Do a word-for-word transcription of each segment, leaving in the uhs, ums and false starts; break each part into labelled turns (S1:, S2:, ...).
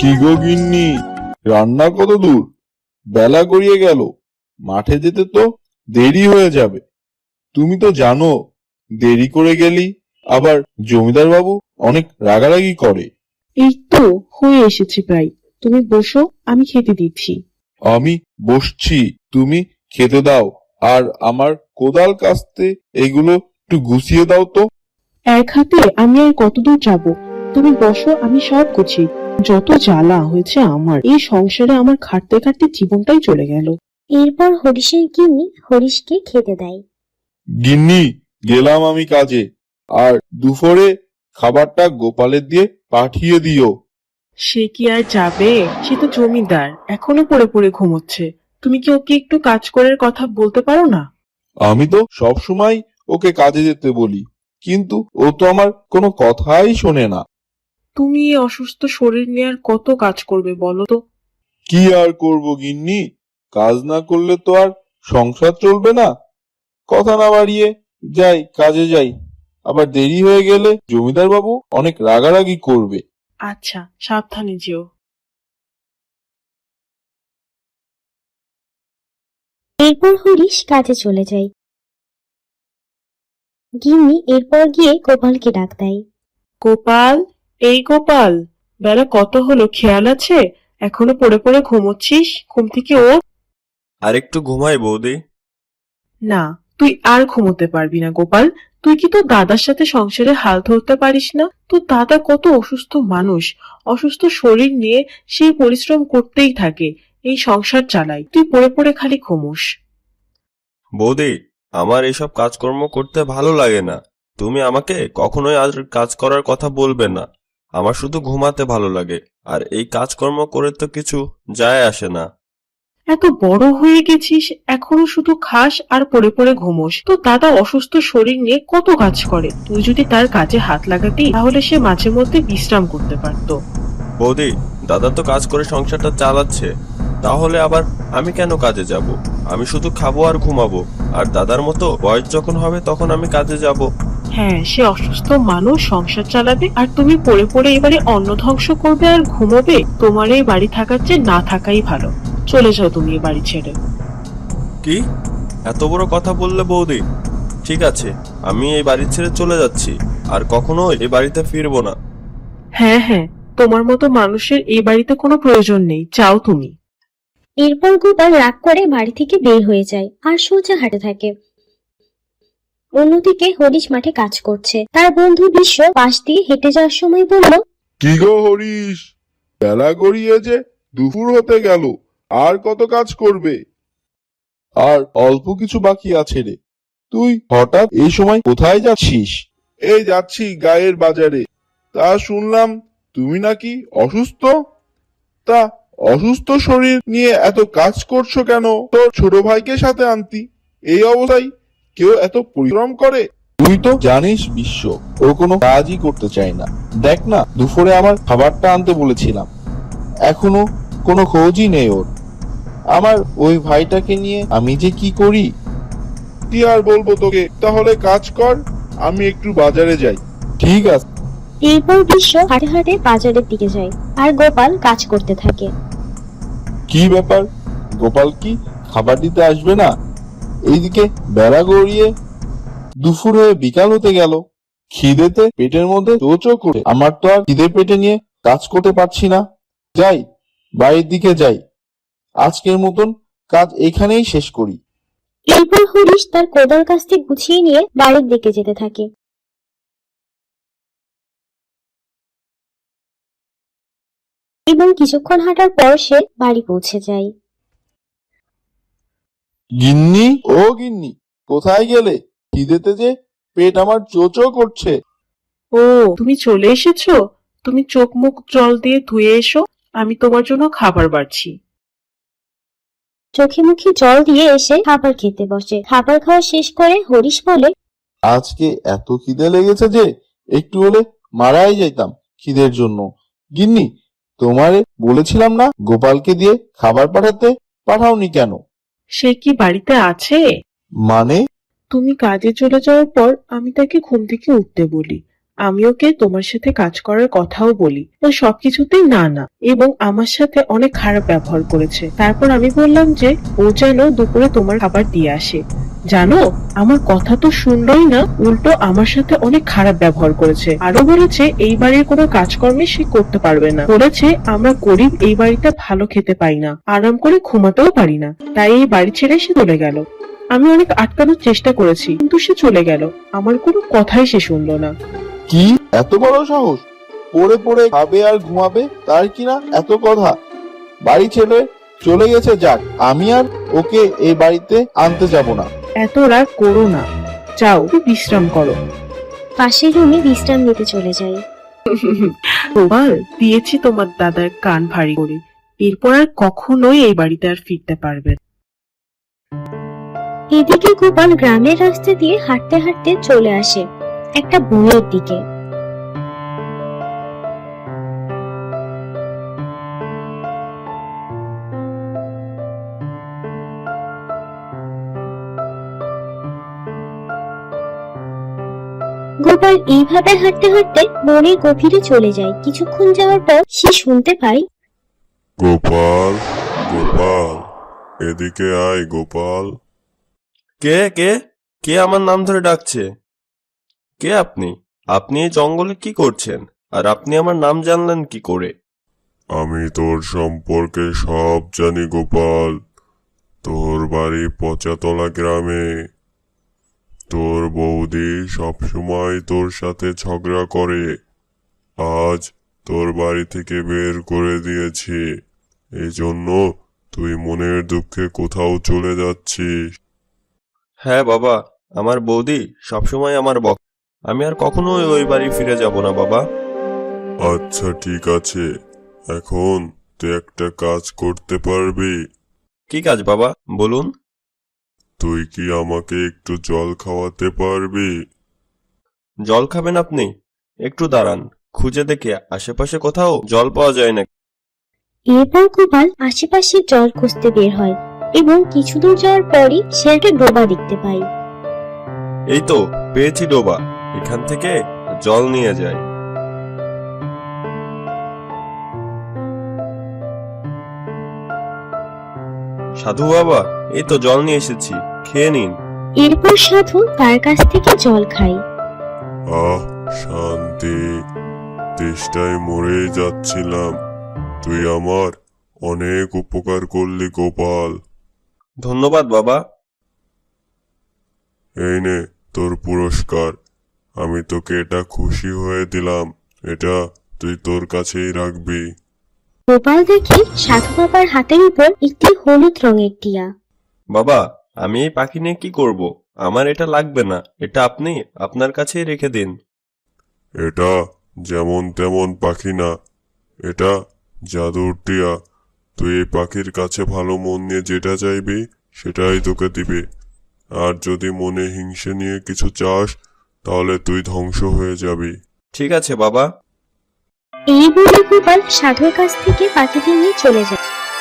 S1: কি গো গিন্নি, রান্না কত দূর? বেলা গড়িয়ে গেল, মাঠে যেতে তো দেরি হয়ে যাবে। তুমি তো জানো, দেরি করে গেলি আবার জমিদার বাবু অনেক রাগারাগি করে।
S2: এই তো হয়ে এসেছে প্রায়। তুমি বসো, আমি খেতে দিচ্ছি।
S1: আমি বসছি, তুমি খেতে দাও। আর আমার কোদাল কাস্তে এগুলো একটু গুছিয়ে দাও তো।
S2: এক হাতে আমি আর কতদূর যাব? তুমি বসো, আমি সব গুছিয়ে। যত জ্বালা হয়েছে আমার এই সংসারে, আমার খাটতে খাটতে জীবনটাই চলে গেল।
S3: এরপর হরিশের গিন্নি হরিশকে খেতে দেয়।
S1: গিন্নি, গেলাম আমি কাজে। আর দুপুরে খাবারটা গোপালের দিয়ে পাঠিয়ে দিও।
S2: সে কি আর যাবে? সে তো জমিদার, এখনো পড়ে পড়ে ঘুমোচ্ছে। তুমি কি ওকে একটু কাজ করার কথা বলতে পারো না?
S1: আমি তো সব সময় ওকে কাজে যেতে বলি, কিন্তু ও তো আমার কোনো কথাই শোনে না।
S2: তুমি এই অসুস্থ শরীর নিয়ে আর কত কাজ করবে বলো তো?
S1: কি আর করব গিন্নি, কাজ না করলে তো আর সংসার চলবে না। কথা না বাড়িয়ে যাই, কাজে যাই। আবার দেরি হয়ে গেলে জমিদার বাবু অনেক রাগারাগি করবে।
S2: আচ্ছা, সাবধানে যেও।
S3: এরপর হরিশ কাজে চলে যায়। গিন্নি এরপর গিয়ে গোপালকে ডাক দেয়।
S2: গোপাল, এই গোপাল, বেলা কত হলো খেয়াল আছে? এখনো পড়ে পড়ে ঘুমোচ্ছিস? ঘুম থেকে ওঠ।
S4: আরেকটু ঘুমাই বৌদি।
S2: না, তুই আর ঘুমোতে পারবি না গোপাল। তুই কি তোর দাদার সাথে সংসারে হাল ধরতে পারিস না? তোর দাদা কত অসুস্থ মানুষ, অসুস্থ শরীর নিয়ে সেই পরিশ্রম করতেই থাকে, এই সংসার চালায়। তুই পড়ে পড়ে খালি ঘুমোস।
S4: বৌদি, আমার এসব কাজকর্ম করতে ভালো লাগে না। তুমি আমাকে কখনোই আর কাজ করার কথা বলবে না। আমার শুধু ঘুমাতে ভালো লাগে, আর এই কাজকর্ম করে তো কিছু যায় আসে না।
S2: এত বড় হয়ে গেছিস, এখনো শুধু খাস আর পড়ে পড়ে ঘুমোস। তো দাদা অসুস্থ শরীর নিয়ে কত কাজ করে, তুই যদি তার কাজে হাত লাগাতি তাহলে সে মাঝে মধ্যে বিশ্রাম করতে পারতো।
S4: বৌদি, দাদা তো কাজ করে সংসারটা চালাচ্ছে, তাহলে আবার আমি কেন কাজে যাব? আমি শুধু খাবো আর ঘুমাবো, আর দাদার মতো বয়স যখন হবে তখন আমি কাজে যাব।
S2: হ্যাঁ, সে অসুস্থ মানুষ, সংসার চালাবে, আর তুমি পড়ে পড়ে এবারে অন্ন ধ্বংস করবে আর ঘুমোবে। তোমার এই বাড়ি থাকার চেয়ে না থাকাই ভালো। চলে যাও তুমি এই বাড়ি ছেড়ে।
S4: কি এত বড় কথা বললে বৌদি? ঠিক আছে, আমি এই বাড়ি ছেড়ে চলে যাচ্ছি, আর কখনো এই বাড়িতে ফিরবো না।
S2: হ্যাঁ হ্যাঁ, তোমার মতো মানুষের এই বাড়িতে কোনো প্রয়োজন নেই, যাও তুমি।
S3: এরপর গোপাল রাগ করে বাড়ি থেকে বের হয়ে যায় আর সোজা হাঁটে থাকে। অন্যদিকে হরিশ মাঠে কাজ করছে। তার বন্ধু বিশ্ব পাশ দিয়ে হেঁটে যাওয়ার সময় বলল,
S1: কি গো হরিশ, বেলা গড়িয়ে যে দুপুর হতে গেল, আর কত কাজ করবে? আর অল্প কিছু বাকি আছে রে। তুই হঠাৎ এই সময় কোথায় যাচ্ছিস? এই যাচ্ছি গায়ের বাজারে। তা শুনলাম তুমি নাকি অসুস্থ। তা অসুস্থ শরীর নিয়ে এত কাজ করছো কেন? তোর ছোট ভাইকে সাথে আনতি। এই অবস্থায় কেউ এত পরিশ্রম করে? তুই তো জানিস বিশ্ব, ও কোনো কাজই করতে চায় না। দেখ না, দুপুরে আমার খাবারটা আনতে বলেছিলাম, এখনো কোনো খোঁজই নেই ওর। আমার ওই ভাইটাকে নিয়ে আমি যে কি করি। কি আর বলবো তোকে, তাহলে কাজ কর, আমি একটু বাজারে যাই। ঠিক আছে।
S3: এরপর বিশ্ব হাঁটে হাঁটে বাজারের দিকে যায় আর গোপাল কাজ করতে থাকে।
S1: কি ব্যাপার, গোপাল কি খাবার দিতে আসবে না? এইদিকে বেলা গড়িয়ে দুপুর হয়ে বিকাল হতে গেল, খিদেতে পেটের মধ্যে চোচো করে। আমার তো আর খিদে পেটে নিয়ে কাজ করতে পারছি না। যাই, বাড়ির দিকে যাই, আজকের মতন কাজ এখানেই শেষ করি।
S3: এরপর হরিশ তার কোদাল কাস্তে গুছিয়ে নিয়ে বাড়ির দিকে যেতে থাকে। এবং কিছুক্ষণ হাঁটার পর সে বাড়ি পৌঁছে যায়।
S1: গিন্নি, ও গিন্নি, কোথায় গেলে? খিদেতে যে পেট আমার চোচো করছে।
S2: ও, তুমি চলে এসেছো? তুমি চোখ মুখ জল দিয়ে ধুয়ে এসো, আমি তোমার জন্য খাবার বাড়ছি।
S3: চোখে মুখে জল দিয়ে এসে খাবার খেতে বসে। খাবার খাওয়া শেষ করে হরিশ বলে,
S1: আজকে এত খিদে লেগেছে যে একটু হলে মারাই যাইতাম খিদের জন্য। গিন্নি, তোমারে বলেছিলাম না গোপালকে দিয়ে খাবার পাঠাতে, পাঠাওনি কেন?
S2: সে কি বাড়িতে আছে?
S1: মানে?
S2: তুমি কাজে চলে যাওয়ার পর আমি তাকে ঘুম থেকে উঠতে বলি, আমি ওকে তোমার সাথে কাজ করার কথাও বলি, ও সবকিছুতেই না না, এবং আমার সাথে অনেক খারাপ ব্যবহার করেছে। তারপর আমি বললাম যে ও যেন দুপুরে তোমার খাবার দিয়ে আসে। জানো, আমার কথা তো শুনলই না, উল্টো আমার সাথে অনেক খারাপ ব্যবহার করেছে। আরো বলেছে এই বাড়ির কোনো কাজকর্মে সে করতে পারবে না। বলেছে আমরা গরিব, এই বাড়িতে ভালো খেতে পাই না, আরাম করে ঘুমাতেও পারি না, তাই এই বাড়ি ছেড়ে সে চলে গেল। আমি অনেক আটকানোর চেষ্টা করেছি, কিন্তু সে চলে গেল। আমার কোনো কথাই সে শুনলো না।
S1: কি এত বড় সাহস! পড়ে পড়ে খাবে আর ঘুমাবে, তার কিনা এত কথা! বাড়ি ছেড়ে চলে গেছে, যাক, আমি আর ওকে এই বাড়িতে আনতে যাব না।
S2: এত রাগ করো না, যাও একটু বিশ্রাম করো।
S3: পাশের রুমে বিশ্রাম নিতে চলে যায়।
S2: গোপাল, দিয়েছি তোমার দাদার কান ভারী করে, এরপর আর কখনোই এই বাড়িতে আর ফিরতে পারবে না।
S3: এদিকে গোপাল গ্রামের রাস্তা দিয়ে হাঁটতে হাঁটতে চলে আসে একটা বনের দিকে। গোপাল এইভাবে হাঁটতে হাঁটতে বনের গভীরে চলে যায়। কিছুক্ষণ যাওয়ার পর সে শুনতে পায়,
S5: গোপাল, গোপাল, এদিকে আয় গোপাল।
S4: কে কে কে আমার নাম ধরে ডাকছে? কে আপনি? আপনি এই জঙ্গলে কি করছেন? আর আপনি আমার নাম জানলেন কি করে?
S5: আমি তোর সম্পর্কে সব জানি গোপাল। তোর বাড়ি পচাতলা গ্রামে। তোর বৌদি সবসময় তোর সাথে ঝগড়া করে। আজ তোর বাড়ি থেকে বের করে দিয়েছি, এই জন্য তুই মনের দুঃখে কোথাও চলে যাচ্ছিস।
S4: হ্যাঁ বাবা, আমার বৌদি সবসময় আমার বক। আমি আর কখনোই ওই বাড়ি ফিরে যাব না বাবা।
S5: আচ্ছা ঠিক আছে, এখন তুই একটা কাজ করতে পারবি?
S4: কি কাজ বাবা, বলুন।
S5: তুই কি আমাকে একটু জল খাওয়াতে পারবি?
S4: জল খাবেন আপনি? একটু দাঁড়ান, খুঁজে দেখে আশেপাশে কোথাও জল পাওয়া যায় না।
S3: এরপর গোপাল আশেপাশে জল খুঁজতে বের হয় এবং কিছু দূর যাওয়ার পরই সে একটা ডোবা দেখতে পায়।
S4: এই তো পেয়েছি ডোবা, এখান থেকে জল নিয়ে যাই। সাধু বাবা, এই তো জল নিয়ে এসেছি, খেয়ে নিন।
S3: এরপর সাধু তার কাছ থেকে জল খায়।
S5: আহ, শান্তি! তেষ্টায় মরে যাচ্ছিলাম, তুই আমার অনেক উপকার করলি গোপাল।
S4: ধন্যবাদ বাবা।
S5: এই নে তোর পুরস্কার, আমি তোকে এটা খুশি হয়ে দিলাম, এটা তুই তোর কাছেই রাখবি।
S3: গোপাল দেখে সাধু বাবার হাতের উপর একটি হলুদ রঙের টিয়া।
S4: বাবা, আমি এই পাখি নিয়ে কি করব? আমার এটা লাগবে না, এটা আপনি আপনার কাছেই রেখে দিন।
S5: এটা যেমন তেমন পাখি না, এটা জাদুর টিয়া। তুই এই পাখির কাছে ভালো মন নিয়ে যেটা চাইবি সেটাই তোকে দিবে। আর যদি মনে হিংসে নিয়ে কিছু চাস তাহলে তুই ধ্বংস হয়ে যাবি।
S4: ঠিক আছে বাবা।
S3: এই বলে গোপাল সাধুর কাছ থেকে পাখিটি নিয়ে চলে যায়।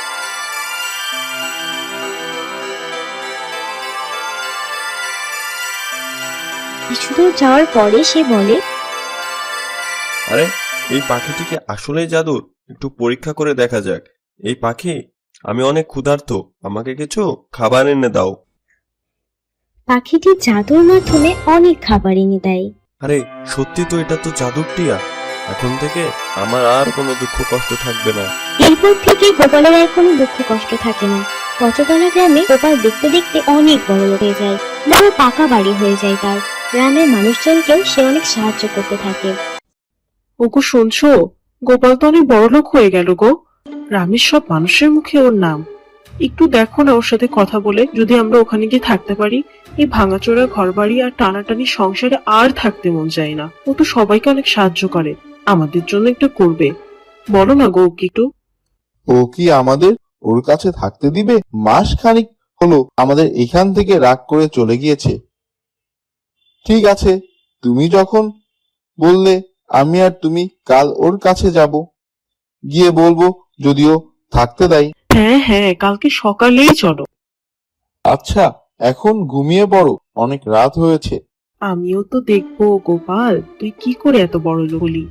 S3: কিছু দূর যাওয়ার পরে সে বলে,
S4: আরে, এই পাখিটিকে আসলেই জাদুর? একটু পরীক্ষা করে দেখা যাক। এই পাখি, আমি অনেক ক্ষুধার্ত, আমাকে কিছু খাবার এনে দাও।
S3: পাখিটি জাদুর মাধ্যমে অনেক খাবার এনে দেয়।
S4: আরে সত্যি তো, এটা তো জাদুর টিয়া। এখন থেকে আমার আর কোনো দুঃখ কষ্ট থাকবে না।
S3: এরপর থেকে গোপালের আর কোনো দুঃখ কষ্ট থাকে না। পচতলা গ্রামে গোপাল দেখতে দেখতে অনেক বড় লোক হয়ে যায়, বড় পাকা বাড়ি হয়ে যায় তার। গ্রামের মানুষজনকেও সে অনেক সাহায্য করতে থাকে।
S2: ওগো শুনছো, গোপাল তো অনেক বড় লোক হয়ে গেল গো। গ্রামের সব মানুষের মুখে ওর নাম। একটু দেখো না ওর সাথে কথা বলে, যদি আমরা ওখানে গিয়ে থাকতে পারি। এই ভাঙাচোরা ঘর বাড়ি আর টানাটানি সংসারে আর থাকতে মন যায় না। ও তো সবাইকে অনেক সাহায্য করে, আমাদের জন্য একটু করবে। বলো না গো ওকে একটু।
S1: ও কি আমাদের ওর কাছে থাকতে দিবে? মাস খানিক হলো আমাদের এখান থেকে রাগ করে চলে গিয়েছে। ঠিক আছে, তুমি যখন বললে, আমি আর তুমি কাল ওর কাছে যাব, গিয়ে বলবো যদিও থাকতে দেয়।
S2: হ্যাঁ হ্যাঁ, কালকে সকালেই চলো।
S1: আচ্ছা, এখন ঘুমিয়ে পড়ো, অনেক রাত হয়েছে।
S2: আমিও তো দেখবো গোপাল তুই কি করে এত বড় লোক হলি।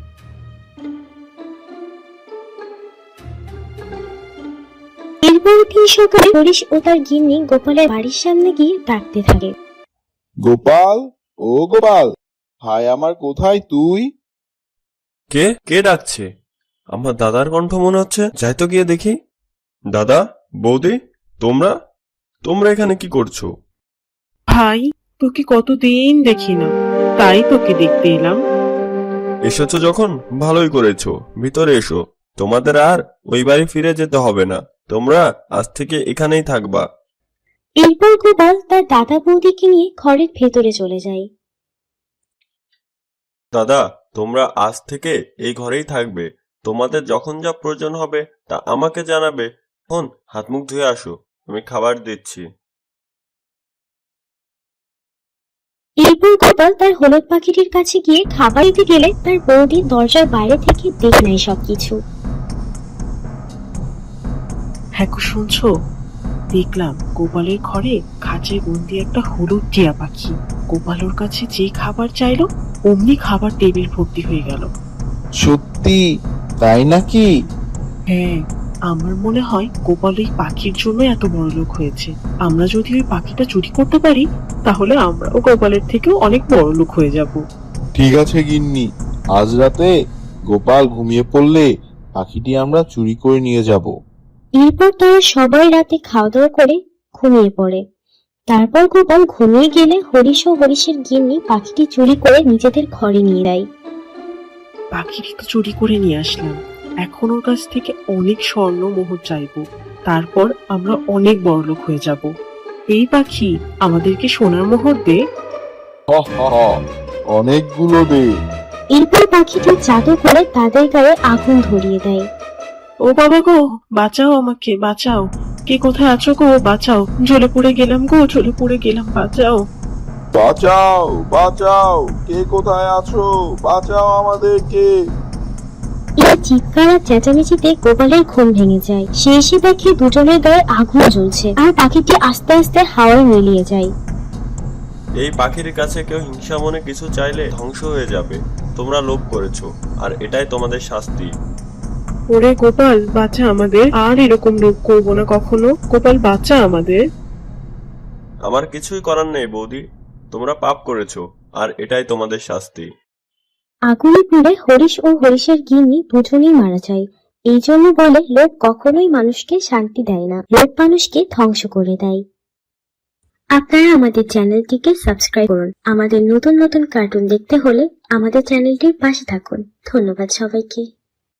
S3: এরপর দিন সকালে হরিশ ও তার গিন্নি গোপালের বাড়ির সামনে গিয়ে ডাকতে থাকে।
S1: গোপাল, ও গোপাল, ভাই আমার কোথায় তুই?
S4: কে কে ডাকছে? আমার দাদার কণ্ঠ মনে হচ্ছে, যাই তো গিয়ে দেখি। দাদা, বৌদি, তোমরা তোমরা এখানে কি করছো?
S2: ভাই তোকে কতদিন দেখি না, তাই তোকে দেখতে এলাম।
S4: এসেছো যখন ভালোই করেছো, ভিতরে এসো। তোমাদের আর ওই বাড়ি ফিরে যেতে হবে না, তোমরা আজ থেকে এখানেই থাকবা।
S3: এরপর গোপাল তার দাদা বৌদিকে নিয়ে ঘরের ভেতরে চলে যায়।
S4: দাদা, তোমরা আজ থেকে এই ঘরেই থাকবে। তোমাদের যখন যা প্রয়োজন হবে তা আমাকে জানাবে। এখন হাত মুখ ধুয়ে আসো, আমি খাবার দিচ্ছি।
S3: এরপর গোপাল তার হলুদ পাখিটির কাছে গিয়ে খাবার দিতে গেলে তার বৌদি দরজার বাইরে থেকে দেখে নেয় সবকিছু।
S2: হ্যাঁ গো, শুনছো? দেখলাম গোপালের ঘরে খাঁচায় বন্দি একটা হলুদ টিয়া পাখি। গোপাল ওর কাছে যে খাবার চাইলো অমনি খাবার টেবিল ভর্তি হয়ে গেল।
S1: সত্যি তাই নাকি?
S2: হ্যাঁ, আমার মনে হয় গোপাল এই পাখির জন্য এত বড় লোক হয়েছে। আমরা যদি ওই পাখিটা চুরি করতে পারি তাহলে আমরাও গোপালের থেকেও অনেক বড় লোক হয়ে যাব।
S1: ঠিক আছে গিন্নি, আজ রাতে গোপাল ঘুমিয়ে পড়লে পাখিটি আমরা চুরি করে নিয়ে যাব।
S3: এরপর তারা সবাই রাতে খাওয়া দাওয়া করে ঘুমিয়ে পড়ে। তারপর গোপাল ঘুমিয়ে গেলে হরিশ ও হরিশের গিন্নি পাখিটি চুরি করে নিজেদের ঘরে নিয়ে যায়।
S2: পাখিটি তো চুরি করে নিয়ে আসলাম, এখন ওর কাছ থেকে অনেক স্বর্ণ মোহর চাইবো, তারপর আমরা অনেক বড় লোক হয়ে যাব। এই পাখি আমাদেরকে সোনার মোহর দে।
S1: হ হ হ, অনেকগুলো দে।
S3: এরপর পাখিটি জাদু করে তাদের গায়ে আগুন ধরিয়ে দেয়।
S2: ও বাবা গো, বাঁচাও আমাকে, বাঁচাও। কে কোথায় আছো গো, বাঁচাও। জ্বলে পড়ে গেলাম গো, জ্বলে পড়ে গেলাম, বাঁচাও।
S1: বাঁচাও বাঁচাও, কে কোথায় আছো, বাঁচাও আমাদেরকে।
S3: এই চিৎকার আর চেঁচামেচিতে গোপালের ঘুম ভেঙে যায়। সে এসে দেখে দুজনের গায়ে আগুন জ্বলছে আর পাখিটি আস্তে আস্তে হাওয়ায় মিলিয়ে যায়।
S4: এই পাখির কাছে কেউ হিংসা মনে কিছু চাইলে ধ্বংস হয়ে যাবে। তোমরা লোভ করেছো, আর এটাই তোমাদের শাস্তি।
S2: ওরে গোপাল, বাঁচা আমাদের, আর এরকম লোভ করবো না কখনো। গোপাল বাঁচা আমাদের।
S4: আমার কিছুই করার নেই বৌদি, তোমরা পাপ করেছো, আর এটাই তোমাদের শাস্তি।
S3: আগুনে পুড়ে হরিশ ও হরিশের গিন্নি দুজনেই মারা যায়। এই জন্য বলে লোভ কখনোই মানুষকে শান্তি দেয় না, লোভ মানুষকে ধ্বংস করে দেয়। আপনারা আমাদের চ্যানেলটিকে সাবস্ক্রাইব করুন। আমাদের নতুন নতুন কার্টুন দেখতে হলে আমাদের চ্যানেলটির পাশে থাকুন। ধন্যবাদ সবাইকে।